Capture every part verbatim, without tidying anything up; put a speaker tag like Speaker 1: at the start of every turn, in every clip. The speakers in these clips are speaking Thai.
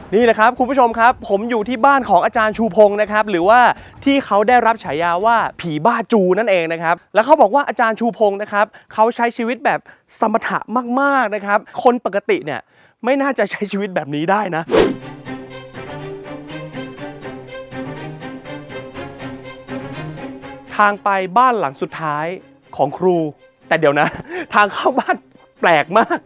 Speaker 1: นี่แหละครับคุณผู้ชมครับผมอยู่ที่บ้านของอาจารย์ชูพงศ์นะครับหรือว่าที่เขาได้รับฉายาว่าผีบ้าจูนั่นเองนะครับแล้วเขาบอกว่าอาจารย์ชูพงศ์นะครับเขาใช้ชีวิตแบบสมถะมากๆนะครับคนปกติเนี่ยไม่น่าจะใช้ชีวิตแบบนี้ได้นะทางไปบ้านหลังสุดท้ายของครูแต่เดี๋ยวนะทางเข้าบ้านแปลกมาก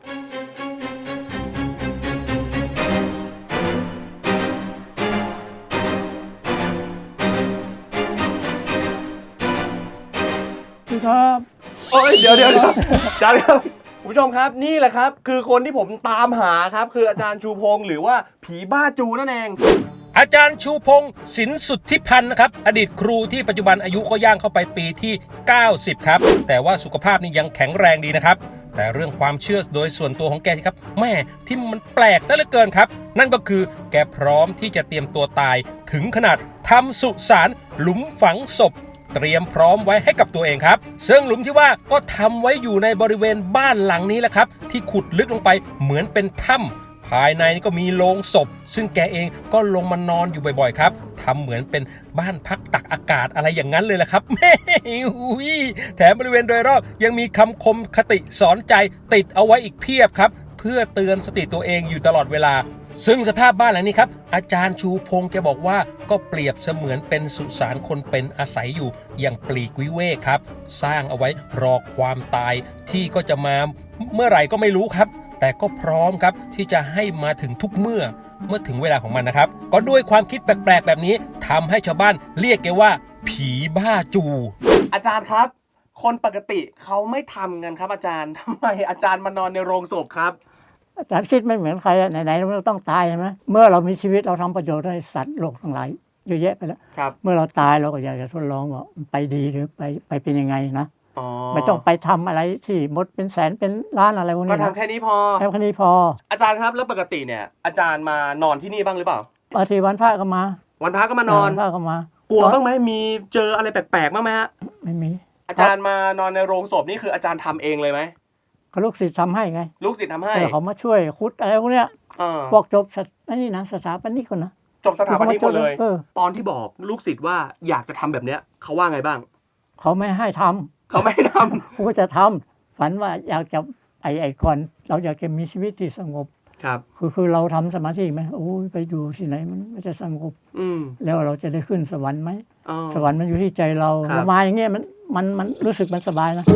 Speaker 1: ครับโอ้ยเดี๋ยวเดี๋ยวอาจารย์ครับคุณผู้ชมครับนี่แหละครับคือคนที่ผมตามหาครับคืออาจารย์ชูพงศ์หรือว่าผีบ้าจูนั่นเอง
Speaker 2: อาจารย์ชูพงศ์สินสุทธิพันธ์นะครับอดีตครูที่ปัจจุบันอายุก็ย่างเข้าไปปีที่เก้าสิบครับแต่ว่าสุขภาพนี่ยังแข็งแรงดีนะครับแต่เรื่องความเชื่อโดยส่วนตัวของแกที่ครับแม่ที่มันแปลกซะเหลือเกินครับนั่นก็คือแกพร้อมที่จะเตรียมตัวตายถึงขนาดทำสุสานหลุมฝังศพเตรียมพร้อมไว้ให้กับตัวเองครับซึ่งหลุมที่ว่าก็ทำไว้อยู่ในบริเวณบ้านหลังนี้แหละครับที่ขุดลึกลงไปเหมือนเป็นถ้ำภายในนี่ก็มีโลงศพซึ่งแกเองก็ลงมานอนอยู่บ่อยๆครับทำเหมือนเป็นบ้านพักตักอากาศอะไรอย่างนั้นเลยแหละครับแม่แถมบริเวณโดยรอบยังมีคำคมคติสอนใจติดเอาไว้อีกเพียบครับเพื่อเตือนสติตัวเองอยู่ตลอดเวลาซึ่งสภาพบ้านหลังนี้ครับอาจารย์ชูพงศ์แกบอกว่าก็เปรียบเสมือนเป็นสุสานคนเป็นอาศัยอยู่อย่างปลีกวิเวกครับสร้างเอาไว้รอความตายที่ก็จะมาเมื่อไหร่ก็ไม่รู้ครับแต่ก็พร้อมครับที่จะให้มาถึงทุกเมื่อเมื่อถึงเวลาของมันนะครับก็ด้วยความคิดแปลกๆแบบนี้ทำให้ชาวบ้านเรียกแกว่าผีบ้าจู
Speaker 1: อาจารย์ครับคนปกติเขาไม่ทำกันครับอาจารย์ทำไมอาจารย์มานอนในโรงศพครับ
Speaker 3: อาจารย์คิดไม่เหมือนใครไหนๆเราต้องตายใช่ไหมเมื่อเรามีชีวิตเราทำประโยชน์ให้สัตว์โลกทั้งหลายเยอะแยะไปแล้วเมื่อเราตายเราก็อยากจะทดลองว่าไปดีหรือไปไปเป็นยังไงนะไม่ต้องไปทำอะไรที่หมดเป็นแสนเป็นล้านอะไรพวกนี้
Speaker 1: ก็ทำแค่นี้พอ
Speaker 3: แค่นี้พอ
Speaker 1: อาจารย์ครับแล้วปกติเนี่ยอาจารย์มานอนที่นี่บ้างหรือเปล่า
Speaker 3: บางทีวันพระก็มา
Speaker 1: วันพระก็มานอน
Speaker 3: วันพระก็มาก
Speaker 1: ลัวบ้างไหมมีเจออะไรแปลกๆบ้างไหมฮะ
Speaker 3: ไม่มี
Speaker 1: อาจารย์มานอนในโรงศพนี่คืออาจารย์ทำเองเลยไหม
Speaker 3: ก็ลูกศิษย์ทำให้ไง
Speaker 1: ลูกศิษย์ทำให้
Speaker 3: เขามาช่วยคุดอะไรพวกเนี้ยพวกจบอันนี้นะสถาปนิกคนนะ
Speaker 1: จบสถาปนิกหมดเลยตอนที่บอกลูกศิษย์ว่าอยากจะทำแบบเนี้ยเขาว่าไงบ้าง
Speaker 3: เขาไม่ให้ทำ
Speaker 1: เขาไม่ให้ทำ
Speaker 3: เขาจะทำฝันว่าอยากจะไอ้ไอ้ก่อนเราอยากจะมีชีวิตที่สงบ
Speaker 1: ครับ
Speaker 3: คือคือเราทำสมาธิไหมโอ้ยไปอยู่ที่ไหนมันไม่จะสงบแล้วเราจะได้ขึ้นสวรรค์ไหมสวรรค์มันอยู่ที่ใจเราเรามาอย่างเงี้ยมันมันมันรู้สึกมันสบายนะ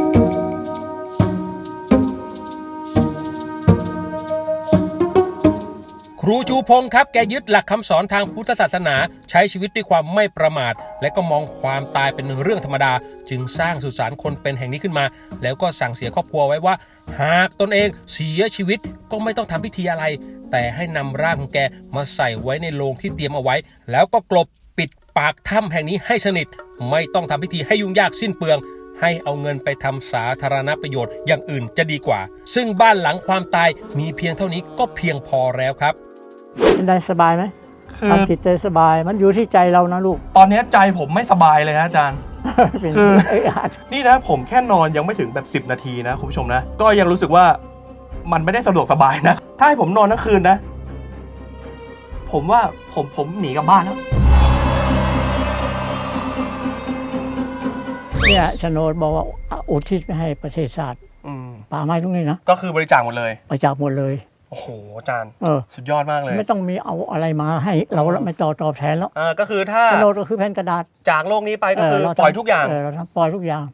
Speaker 2: ครูชูพงศ์ครับแกยึดหลักคำสอนทางพุทธศาสนาใช้ชีวิตด้วยความไม่ประมาทและก็มองความตายเป็นเรื่องธรรมดาจึงสร้างสุสานคนเป็นแห่งนี้ขึ้นมาแล้วก็สั่งเสียครอบครัวไว้ว่าหากตนเองเสียชีวิตก็ไม่ต้องทำพิธีอะไรแต่ให้นำร่างของแกมาใส่ไว้ในโลงที่เตรียมเอาไว้แล้วก็กลบปิดปากถ้ำแห่งนี้ให้สนิทไม่ต้องทำพิธีให้ยุ่งยากสิ้นเปลืองให้เอาเงินไปทำสาธารณประโยชน์อย่างอื่นจะดีกว่าซึ่งบ้านหลังความตายมีเพียงเท่านี้ก็เพียงพอแล้วครับ
Speaker 3: เป็นได้สบายไหมทำจิตใจสบายมันอยู่ที่ใจเรานะลูก
Speaker 1: ตอนนี้ใจผมไม่สบายเลยนะอาจารย์คือนี่นะผมแค่นอนยังไม่ถึงแบบสิบนาทีนะคุณผู้ชมนะก็ยังรู้สึกว่ามันไม่ได้สะดวกสบายนะถ้าให้ผมนอนทั้งคืนนะผมว่าผมผมหนีกลับบ้านแล้ว
Speaker 3: เนี่ยโฉนดบอกว่าอุทิศไปให้ประเทศชาติป่าไม้ตรงนี้นะ
Speaker 1: ก็คือบริจาคหมดเลย
Speaker 3: บริจาคหมดเลย
Speaker 1: โอ้โหอาจารย์สุดยอดมากเลย
Speaker 3: ไม่ต้องมีเอาอะไรมาให้เราไม่ต่อตอบแทนแล้ว
Speaker 1: อ่าก็คือถ้า
Speaker 3: โฉนดก็คือแผ่นกระดาษ
Speaker 1: จากโลกนี้ไปก็คือปล่อยทุกอย่าง
Speaker 3: เราทำปล่อยทุกอย่าง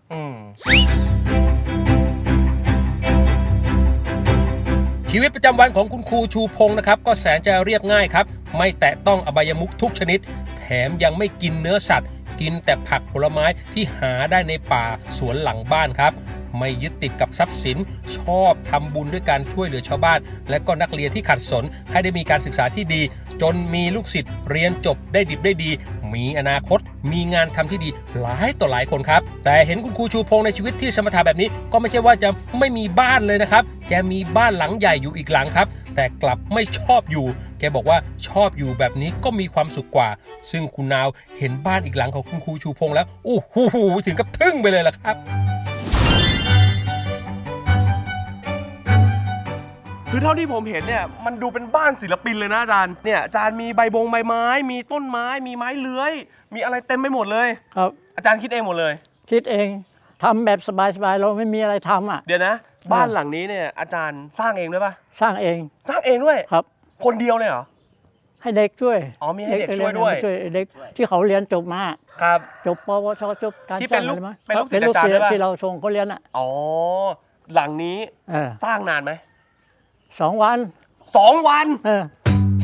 Speaker 2: ชีวิตประจำวันของคุณครูชูพงศ์นะครับก็แสนจะเรียบง่ายครับไม่แตะต้องอบายมุขทุกชนิดแถมยังไม่กินเนื้อสัตว์กินแต่ผักผลไม้ที่หาได้ในป่าสวนหลังบ้านครับไม่ยึดติดกับทรัพย์สินชอบทำบุญด้วยการช่วยเหลือชาวบ้านและก็นักเรียนที่ขัดสนให้ได้มีการศึกษาที่ดีจนมีลูกศิษย์เรียนจบได้ดิบได้ดีมีอนาคตมีงานทำที่ดีหลายต่อหลายคนครับแต่เห็นคุณครูชูพงศ์ในชีวิตที่สมถะแบบนี้ก็ไม่ใช่ว่าจะไม่มีบ้านเลยนะครับแกมีบ้านหลังใหญ่อยู่อีกหลังครับแต่กลับไม่ชอบอยู่แกบอกว่าชอบอยู่แบบนี้ก็มีความสุขกว่าซึ่งคุณนาวเห็นบ้านอีกหลังของคุณครูชูพงศ์แล้วอู้หูถึงกับทึ่งไปเลยล่ะครับ
Speaker 1: คือเท่าที่ผมเห็นเนี่ยมันดูเป็นบ้านศิลปินเลยนะอาจารย์เนี่ยอาจารย์มีใบบงใบไม้ มีต้นไม้มีไม้เลื้อยมีอะไรเต็มไปหมดเลย
Speaker 3: ครับ
Speaker 1: อาจารย์คิดเองหมดเลย
Speaker 3: คิดเองทำแบบสบายๆเราไม่มีอะไรทำอ่ะ
Speaker 1: เดี๋ยวนะ บ้านหลังนี้เนี่ยอาจารย์สร้างเองด้วยปะ
Speaker 3: สร้างเอง
Speaker 1: สร้างเองด้วย
Speaker 3: ครับ
Speaker 1: คนเดียวเลยเหรอ
Speaker 3: ให้เด็กช่วย
Speaker 1: อ๋อมีให้เด็กช่วยด้วย
Speaker 3: ช่วยเด็กที่เขาเรียนจบมา
Speaker 1: ครับ
Speaker 3: จบปวชจบการ
Speaker 1: ที่เป็น
Speaker 3: จ้าง
Speaker 1: ลูก
Speaker 3: อะไรมา
Speaker 1: เป็นลูกศิษย์
Speaker 3: เป็นลูก
Speaker 1: อาจารย์
Speaker 3: ศิษ
Speaker 1: ด้วยปะ
Speaker 3: ย์ที่เราส่งเขาเรียนอ่ะ
Speaker 1: อ๋อหลังนี้
Speaker 3: เออ
Speaker 1: สร้างนานไหม
Speaker 3: สองวัน
Speaker 1: สองวัน
Speaker 3: เออ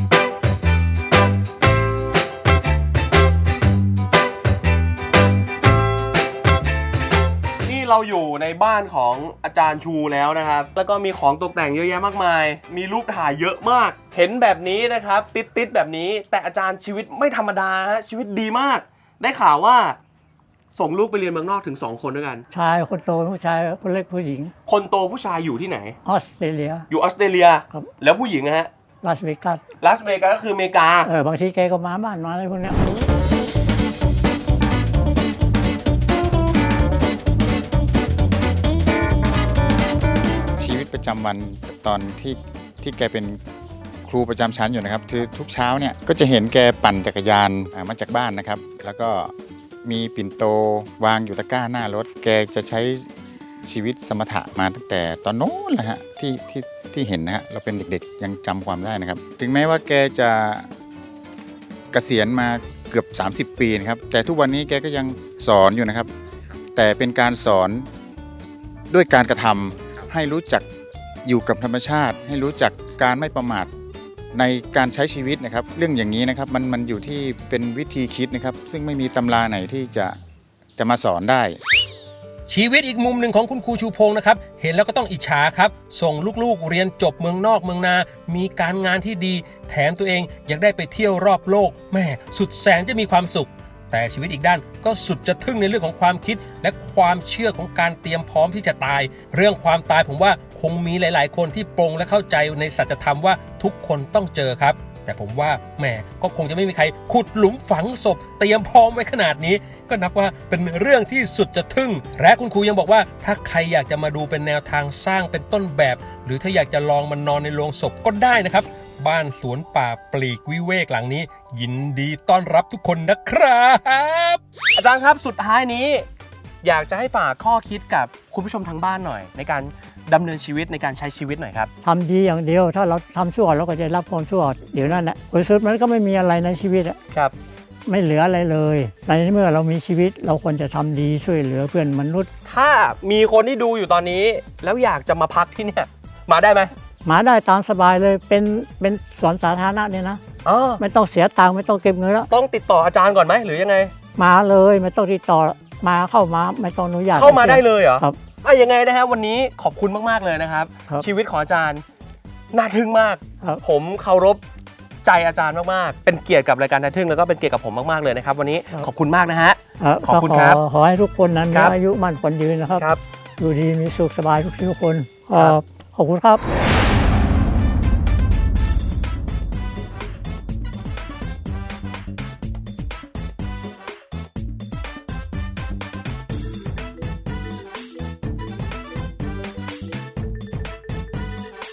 Speaker 1: นี่เราอยู่ในบ้านของอาจารย์ชูแล้วนะครับ แล้วก็มีของตกแต่งเยอะแยะมากมาย มีรูปถ่ายเยอะมาก เห็นแบบนี้นะครับ ติดติดๆแบบนี้ แต่อาจารย์ชีวิตไม่ธรรมดาฮะชีวิตดีมาก ได้ข่าวว่า ส่งลูกไปเรียนเมืองนอกถึงสองคนด้วยกัน
Speaker 3: ชายคนโตผู้ชายคนเล็กผู้หญิง
Speaker 1: คนโตผู้ชายอยู่ที่ไหน
Speaker 3: ออสเตรเลีย
Speaker 1: อยู่ออสเตรเลีย
Speaker 3: ครับ
Speaker 1: แล้วผู้หญิงนะฮะ
Speaker 3: ลาสเวกัส
Speaker 1: ลาสเวกัสก็คืออเมริกา
Speaker 3: เออบางทีแกก็มาบ้านมาอะไรพวกเนี้ย
Speaker 4: ชีวิตประจำวันตอนที่ที่แกเป็นครูประจำชั้นอยู่นะครับคือทุกเช้าเนี่ยก็จะเห็นแกปั่นจักรยานอ่ามาจากบ้านนะครับ แล้วก็มีปิ่นโตวางอยู่ตะกร้าหน้ารถ แกจะใช้ชีวิตสมถะมาตั้งแต่ตอนโน้นแหละฮะที่ที่ที่เห็นนะฮะเราเป็นเด็กๆยังจำความได้นะครับ ถึงแม้ว่าแกจะเกษียณมาเกือบสามสิบปีนะครับแต่ทุกวันนี้แกก็ยังสอนอยู่นะครับ แต่เป็นการสอนด้วยการกระทำให้รู้จักอยู่กับธรรมชาติ ให้รู้จักการไม่ประมาทในการใช้ชีวิตนะครับ เรื่องอย่างนี้นะครับมันมันอยู่ที่เป็นวิธีคิดนะครับ ซึ่งไม่มีตำราไหนที่จะจะมาสอนได้
Speaker 2: ชีวิตอีกมุมหนึ่งของคุณครูชูพงศ์นะครับเห็นแล้วก็ต้องอิจฉาครับส่งลูกๆเรียนจบเมืองนอกเมืองนา มีการงานที่ดี แถมตัวเองยังได้ไปเที่ยวรอบโลกแม่สุดแสนจะมีความสุข แต่ชีวิตอีกด้านก็สุดจะทึ่งในเรื่องของความคิด และความเชื่อของการเตรียมพร้อมที่จะตาย เรื่องความตายผมว่าคงมีหลายๆ คนที่ปรงและเข้าใจในสัจธรรมว่าทุกคนต้องเจอครับ แต่ผมว่าแหมก็คงจะไม่มีใครขุดหลุมฝังศพเตรียมพร้อมไว้ขนาดนี้ ก็นับว่าเป็นเรื่องที่สุดจะทึ่งและคุณครูยังบอกว่าถ้าใครอยากจะมาดูเป็นแนวทางสร้างเป็นต้นแบบ หรือถ้าอยากจะลองมันนอนในโรงศพก็ได้นะครับ บ้านสวนป่าปลีกวิเวกหลังนี้ ยินดีต้อนรับทุกคนนะครับ
Speaker 1: อาจารย์ครับสุดท้ายนี้ อยากจะให้ฝากข้อคิดกับคุณผู้ชมทางบ้านหน่อย ในการดำเนินชีวิตในการใช้ชีวิตหน่อยครับ
Speaker 3: ทำดีอย่างเดียว ถ้าเราทำชั่วเราก็จะรับความชั่วเดี๋ยวนั้นแหละผลสุดมันก็ไม่มีอะไรในชีวิตอะ
Speaker 1: ครับ
Speaker 3: ไม่เหลืออะไรเลยในเมื่อเรามีชีวิตเราควรจะทำดีช่วยเหลือเพื่อนมนุษย์
Speaker 1: ถ้ามีคนที่ดูอยู่ตอนนี้ แล้วอยากจะมาพักที่เนี่ยมาได้ไหม
Speaker 3: มาได้ตามสบายเลยเป็นเป็นสวนสาธารณะเนี่ยนะ
Speaker 1: อ๋อ
Speaker 3: ไม่ต้องเสียตังค์ไม่ต้องเก็บเงินแล้ว
Speaker 1: ต้องติดต่ออาจารย์ก่อนไหมหรือยังไง
Speaker 3: มาเลยไม่ต้องติดต่อมาเข้ามาไม่ต้องอนุญาต
Speaker 1: เข้ามาได้เลยเหรอ
Speaker 3: ครับ
Speaker 1: อ่ะยังไงนะฮะวันนี้ขอบคุณมากๆเลยนะครับ
Speaker 3: ครับ
Speaker 1: ชีวิตของอาจารย์น่าทึ่งมาก
Speaker 3: ครับ
Speaker 1: ผมเคารพใจอาจารย์มากๆเป็นเกียรติกับรายการน่าทึ่งแล้วก็เป็นเกียรติกับผมมากๆเลยนะครับวันนี้ขอบคุณมากนะฮะ
Speaker 3: ครับ
Speaker 1: ขอบคุณครับ
Speaker 3: ขอขอให้ทุกคนนั้น
Speaker 1: ครับ
Speaker 3: มีอายุมั่นขวัญยืนนะครับ
Speaker 1: ครับ
Speaker 3: อยู่ดีมีสุขสบายทุกทุกคน
Speaker 1: ครับ
Speaker 3: ขอบคุณครับ